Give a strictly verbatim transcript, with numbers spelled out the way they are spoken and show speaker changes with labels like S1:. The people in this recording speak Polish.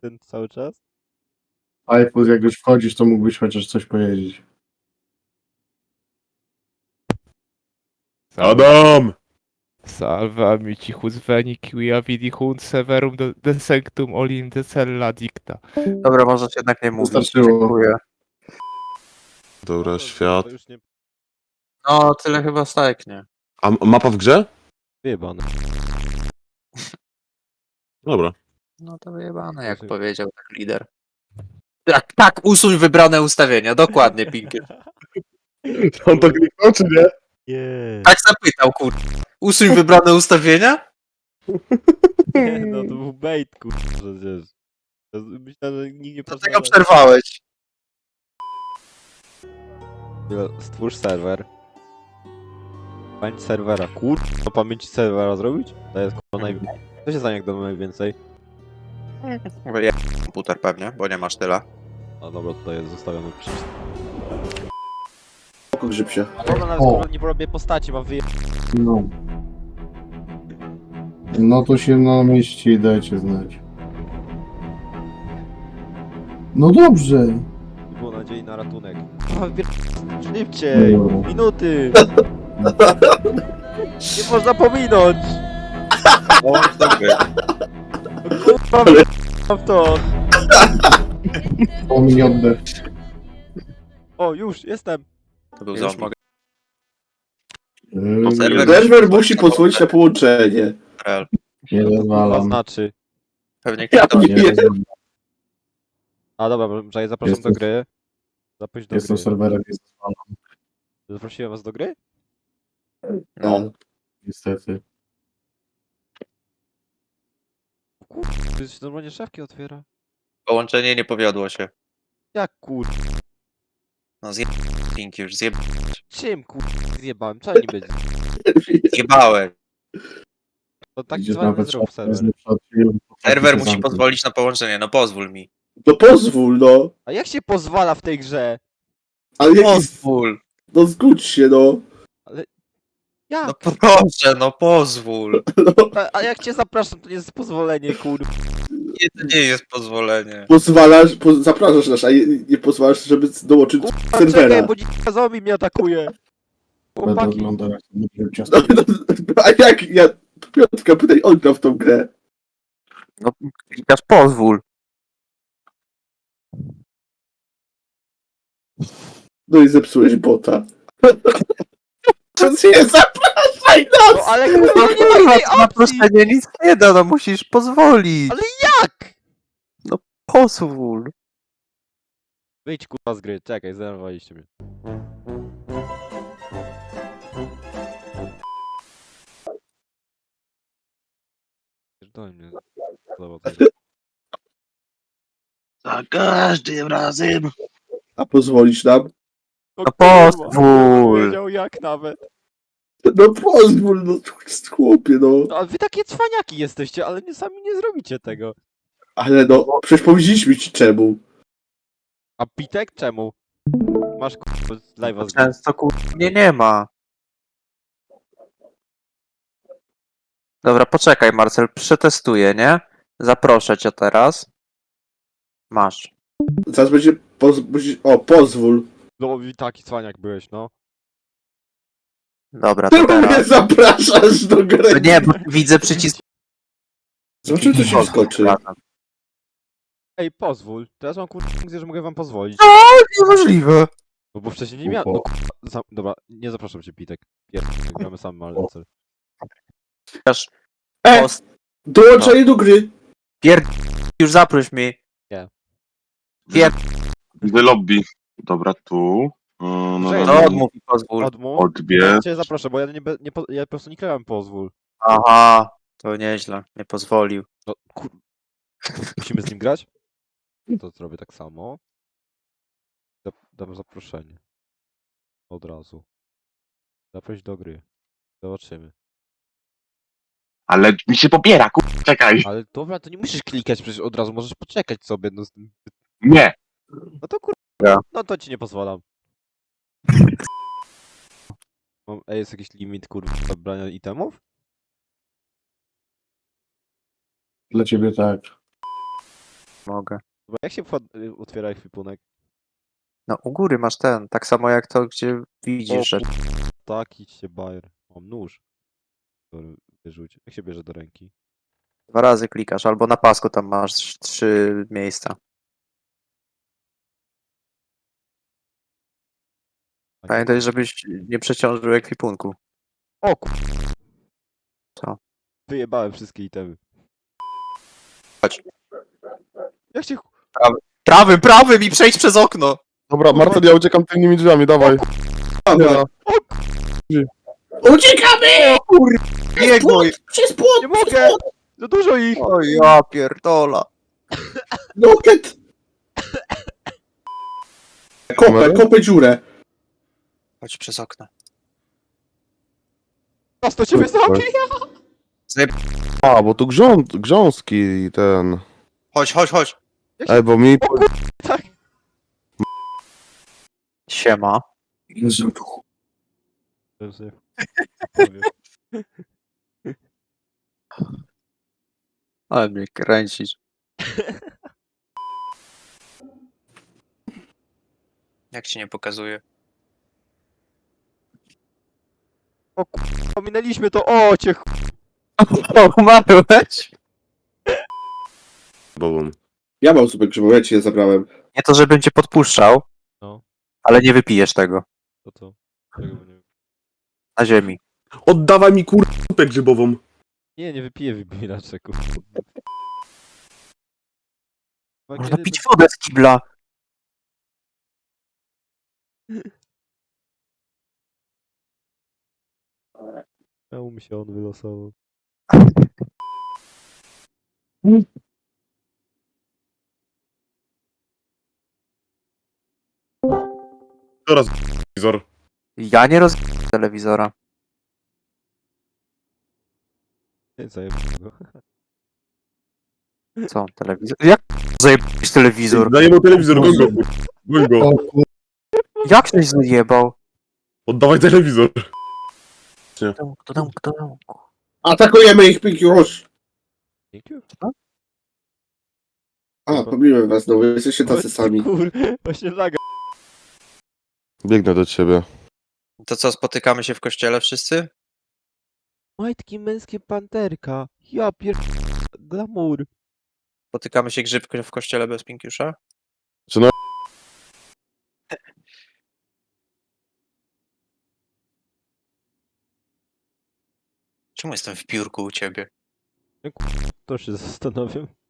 S1: ten cały czas?
S2: iPhone, jak już wchodzisz, to mógłbyś chociaż coś powiedzieć.
S3: Adam!
S1: Salve amici husveni quia vidi hunt severum de, de sanctum olim de cella dicta.
S4: Dobra, możesz jednak nie mówić.
S2: Wystarczyło.
S4: Dziękuję.
S3: Dobra, świat.
S1: To już nie
S4: No, tyle chyba stajknie.
S3: A m- mapa w grze?
S1: wyjebane.
S3: Dobra.
S4: No to wyjebane, jak
S1: Proszę.
S4: powiedział tak lider. Tak, tak, usuń wybrane ustawienia, dokładnie, Pinkier.
S2: On to kliknął, czy nie?
S1: Nie.
S4: Tak zapytał, kur... Usuń wybrane ustawienia?
S1: Nie, no to był bait, kurwa, przecież. Ja z- Myślę, że nikt nie
S4: Dlatego
S1: pozwala.
S4: przerwałeś.
S1: Stwórz serwer. Pamięć serwera. Kurwa, pamięć serwera zrobić? To jest kurwa naj... Co się stanie, jak damy najwięcej?
S4: Ja komputer pewnie, bo nie masz tyle.
S1: A dobra, tutaj jest zostawiony przycisk.
S2: Oko grzyb się.
S1: A dobra, nawet
S2: O.
S1: kurwa nie porobię postaci, mam wyje...
S2: No. No to się na mieście i dajcie znać. No dobrze.
S1: Było nadziei na ratunek. Kurwa, wybier... Szybciej!
S2: Dobra.
S1: Minuty! Nie można pominąć!
S4: O, dobry.
S1: Kurwa, wyjebam w to!
S2: Pominione.
S1: O, już, jestem!
S4: To był
S1: Już
S4: zombie.
S1: mogę.
S2: Yy,
S4: serwer-
S5: Serwer musi pozwolić na połączenie.
S4: Rel.
S2: Nie
S1: To
S2: rozwalam.
S1: znaczy.
S4: Pewnie
S5: Ja
S4: ktoś...
S2: Nie
S5: nie.
S2: rozwalam.
S1: A dobra, że ja zapraszam
S2: Jestem-
S1: do gry. Zaproś do
S2: Jestem
S1: gry.
S2: serwerem, nie rozwalam.
S1: Zaprosiłem was do gry?
S4: No.
S2: Niestety.
S1: To się normalnie szafki otwiera.
S4: Połączenie nie powiodło się.
S1: Jak kur...
S4: No zjeb... Pinki już zjeb...
S1: Czym kur... zjebałem? Trzeba nie być.
S4: zjebałeś.
S1: To taki
S2: Idziesz
S1: zwany
S2: nawet
S1: zrób
S2: szafę,
S1: serwer.
S2: znów otwieram,
S4: Serwer
S2: się
S4: musi
S2: zamknąć.
S4: pozwolić na połączenie, no pozwól mi.
S5: No pozwól, no.
S1: A jak się pozwala w tej grze?
S5: Ale jaki...
S4: Pozwól!
S5: No zgódź się, no.
S1: Jak?
S4: No proszę, no pozwól!
S5: no.
S1: A, a jak cię zapraszam, to nie jest pozwolenie, kur...
S4: Nie, to nie jest pozwolenie.
S5: Pozwalasz, po, zapraszasz nas, a nie, nie pozwalasz, żeby dołączyć
S1: Kurwa,
S5: serwera.
S1: czekaj, bo dzika zombie mnie atakuje.
S2: Będę
S1: Chłopaki.
S2: oglądał, jak to będzie
S5: No,
S2: ciasto.
S5: no, a jak ja... Piątka, pytaj, on gra w tą grę.
S4: No klikasz pozwól.
S5: No i zepsułeś bota. To nie zapraszaj nas!
S1: No ale kurwa, nie ma innej
S4: na
S1: opcji!
S4: proszenie nic nie da, no musisz pozwolić.
S1: Ale jak?
S4: Pozwól.
S1: Wyjdź kurwa z gry, czekaj, zdenerwowaliście mnie. Pierdolę mnie. Podoba to.
S5: Za każdym razem. A pozwolisz nam?
S1: No
S4: No
S1: kurwa,
S4: pozwól.
S1: Wiedział jak nawet.
S5: No pozwól, no chłopie, no.
S1: No a wy takie cwaniaki jesteście, ale nie, sami nie zrobicie tego.
S5: Ale no, przecież powiedzieliśmy ci czemu.
S1: A Pitek czemu? Masz kurwa live'a z gry.
S4: Często kur... Nie, nie ma. Dobra, poczekaj Marcel, przetestuję, nie? Zaproszę cię teraz. Masz.
S5: Zaraz będzie, poz... musisz- o, pozwól.
S1: No i taki cwaniak byłeś, no.
S4: Dobra, to
S5: Czemu mnie
S4: teraz.
S5: zapraszasz do gry?
S4: Nie, bo widzę przycisk.
S5: Zobaczymy, co się skoczy.
S1: Ej, pozwól. Teraz mam kurwa funkcję, że mogę wam pozwolić.
S4: Niemożliwe.
S1: No bo wcześniej nie miałem. No kurwa, za... dobra, nie zapraszam cię Pitek. Pierdolę, gramy sam malce.
S5: E!
S4: Post...
S5: Dołączenie do gry.
S4: Pierd... Już zaproś mnie.
S3: Gdy lobby. Dobra, tu. Yy, no,
S1: Cześć,
S3: no,
S4: No
S3: no.
S4: odmów i pozwól.
S1: Odmów.
S3: Odbierz.
S1: Ja cię zaproszę, bo ja nie, be- nie, po- ja po prostu nie klikałem pozwól.
S4: Aha, to nieźle. Nie pozwolił.
S1: No kur... Musimy z nim grać? To zrobię tak samo. Zap- Dam zaproszenie. Od razu. Zaproś do gry. Zobaczymy.
S3: Ale mi się pobiera, kur... czekaj.
S1: Ale dobra, to nie musisz klikać przecież od razu, możesz poczekać sobie. No, z tym-
S3: Nie.
S1: no to kur...
S4: Ja.
S1: No to ci nie pozwalam. Mam, ej, jest jakiś limit kurwa zabrania itemów?
S2: Dla ciebie tak.
S4: Mogę.
S1: Dobra, jak się wchod- y, otwiera ekwipunek?
S4: No u góry masz ten, tak samo jak to, gdzie widzisz, że...
S1: Tak, idźcie bajer. Mam nóż. Który wyrzuć. Jak się bierze do ręki?
S4: Dwa razy klikasz, albo na pasku tam masz trz- trzy miejsca.
S1: A nie-
S4: Pamiętaj, żebyś nie przeciążył ekwipunku.
S1: O ku...
S4: Co?
S1: Wyjebałem wszystkie itemy.
S4: Chodź.
S1: Jak się...
S4: Prawym, prawym i przejdź przez okno!
S2: Dobra, Marcel, ja uciekam tylnymi drzwiami, dawaj.
S5: Dobra.
S2: Nie.
S5: Uciekamy!
S4: Nie gój!
S5: Przez płot!
S1: Nie mogę! Za dużo ich!
S4: O ja pierdola.
S5: Loket! Kopę, kopę dziurę.
S4: Chodź przez okno.
S1: Nas to ciebie zabi!
S2: A, bo tu grząd, grząski i ten...
S4: Chodź, chodź, chodź.
S2: Ej, bo mi...
S1: Tak.
S4: Siema.
S5: Jezu,
S4: Ale mnie kręcisz. Jak ci nie pokazuje?
S1: O ku... Pominęliśmy to! O cię ch...
S4: O, umarłeś?
S2: Bobum.
S5: ja mam super grzybą, ja ci je zabrałem.
S4: Nie to, żebym cię podpuszczał,
S1: No.
S4: ale nie wypijesz tego.
S1: To co? Tego nie wiem.
S4: Na ziemi.
S6: Oddawaj mi kur... kupę grzybową.
S1: Nie, nie wypiję wybielacze, ku...
S4: Można pić wodę z kibla.
S1: Czemu mi się on wylosował?
S6: Teraz wizor.
S4: Ja nie roz... telewizora.
S1: Nie, zajebałem go.
S4: Co? Telewizor? Jak zajebałeś telewizor?
S6: Daję mu telewizor, goń go. Goń go.
S2: O kur...
S4: Jak ktoś zajebał?
S6: Oddawaj telewizor.
S4: Kto tam, kto tam, kto tam?
S5: Atakujemy ich, Pink już!
S1: Dzięki.
S5: A, pobiłem was znowu, jesteście tacy sami.
S1: Kur... Właśnie laga.
S2: Biegnę do ciebie.
S4: To co, spotykamy się w kościele wszyscy?
S1: Majtki męskie panterka. Ja pier... Glamour.
S4: Spotykamy się grzyb w kościele bez Pinkiusza?
S2: Czy no...
S4: Czemu jestem w piórku u ciebie?
S1: To się zastanawiam.